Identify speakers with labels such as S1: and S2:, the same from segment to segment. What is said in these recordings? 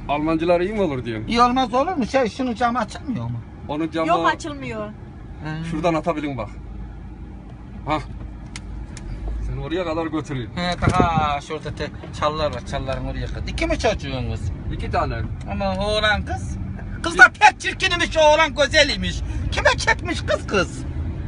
S1: Almancılar iyi mi olur diyorsun?
S2: İyi olmaz olur mu? Şunun camı açılmıyor mu?
S1: Onun camı
S3: Yok açılmıyor.
S1: şuradan atabilin bak. Hah. Seni oraya kadar götüreyim.
S2: He daha şurada çallar var, çalların oraya kadar. İki mi çocuğunuz?
S1: 2 tane.
S2: Ama oğlan kız. Kız da pek çirkinmiş, oğlan güzelmiş. Kime çekmiş kız?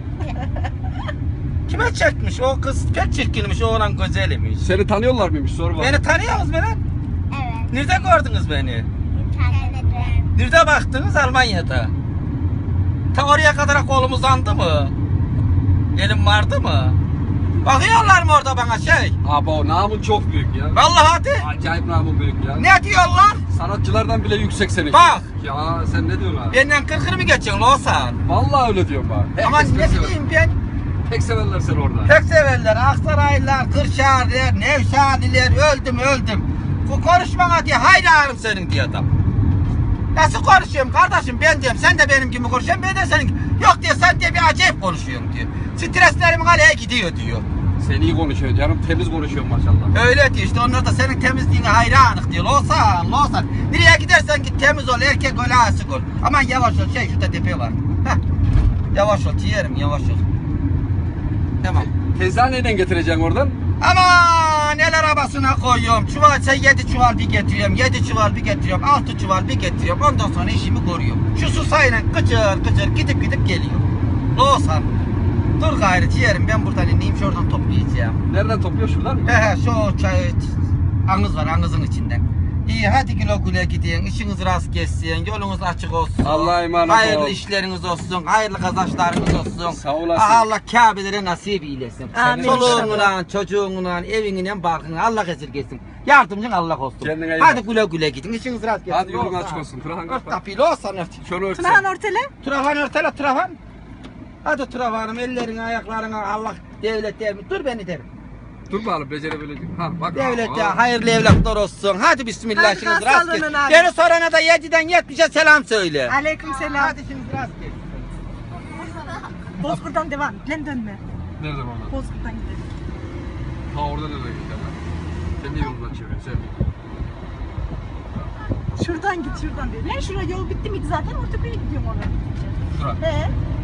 S2: Kime çekmiş? O kız pek çirkinmiş, oğlan güzelmiş.
S1: Seni tanıyorlar mıymış? Sor bak.
S2: Beni tanıyor musunuz beni?
S4: Evet.
S2: Nerede gördünüz beni?
S4: İnternette.
S2: Nerede baktınız? Almanya'da. Ta oraya kadar kolum uzandı mı? Elim vardı mı? Bakıyorlar mı orada bana şey?
S1: Abo namın çok büyük ya.
S2: Vallahi hadi.
S1: Acayip namın büyük ya.
S2: Ne diyorlar?
S1: Sanatçılardan bile yüksek senin.
S2: Bak.
S1: Ya sen ne diyorsun abi?
S2: Benden kırkır mı geçiyorsun Loğuzhan?
S1: Vallahi öyle diyorum bak.
S2: Ama
S1: Herkes
S2: ne
S1: pek sever.
S2: bileyim ben.
S1: Pek severler seni orada.
S2: Pek severler. Aksaraylılar, Kırşehirliler, Nevşehirliler öldüm. Bu konuşmana diye hayranım senin diye adam. Nasıl konuşuyorum kardeşim ben diyorum. Sen de benim gibi konuşuyorsun. Ben de senin gibi. Yok diyor sen diye bir acayip konuşuyorum diyor. Streslerim kaleye gidiyor diyor.
S1: Sen iyi konuşuyorsun canım. Temiz konuşuyorsun maşallah.
S2: Öyle diyor işte onlar da senin temizliğine hayranık diyor. Loğuzhan. Nereye gidersen git temiz ol. Erkek ol, asık ol. Aman yavaş ol. Şurada tepe var. Heh. Yavaş ol ciğerim yavaş ol. Tamam.
S1: Teyzen neden getireceksin oradan?
S2: Aman el arabasına koyuyorum. Çuval 7 çuval bir getiriyorum. 7 çuval bir getiriyorum. 6 çuval bir getiriyorum. Ondan sonra işimi koruyorum. Şu susayla kıçır gidip geliyor. Loğuzhan. Dur gayrı ciğerim ben buradan ineyim şuradan toplayacağım.
S1: Nereden topluyor şuradan mı?
S2: He şu çay anız var anızın içinden. İyi hadi güle gidin. İşiniz rast geçsin. Yolunuz açık olsun.
S1: Allah'a emanet ol.
S2: Hayırlı işleriniz olsun. Hayırlı kazançlarınız olsun.
S1: Sağ olasın.
S2: Allah Kabe'lere nasip eylesin.
S3: Amin.
S2: Çoluğunla, çocuğunla, evinle, barkına Allah esirgesin. Yardımcın Allah olsun.
S1: Kendine iyi
S2: Hadi
S1: bak.
S2: güle gidin. İşiniz rast geçsin.
S1: Hadi yolun açık olsun. Tırhan
S2: Ört
S1: kapat.
S2: tapıyla olsan ört.
S1: Şunu örtsen.
S3: Tunahan ortele.
S2: Travan örtele travan. Hadi travanım ellerini ayaklarını Allah devlet derim. Dur beni derim.
S1: Dur bakalım becerebileceğim. Ha bak.
S2: Devlete
S1: Aa.
S2: hayırlı evlatlar olsun. Hadi bismillah
S3: Hadi
S2: işiniz rast
S3: sağlığına
S2: gelsin.
S3: abi.
S2: Beni sorana da 7'den 70'e selam söyle.
S3: Aleyküm selam.
S2: Hadi işiniz rast gelsin.
S3: Bozkurt'tan devam. Lan dönme.
S1: Nereden orada?
S3: Bozkurt'tan gidelim.
S1: Ha orada nereden gideceğim lan? Sen niye yolundan çeviriyorsun sen?
S3: Şuradan git şuradan diyor. Lan şuraya yol bitti miydi zaten? Ortopeye gidiyorum oraya.
S1: Şura.
S3: He.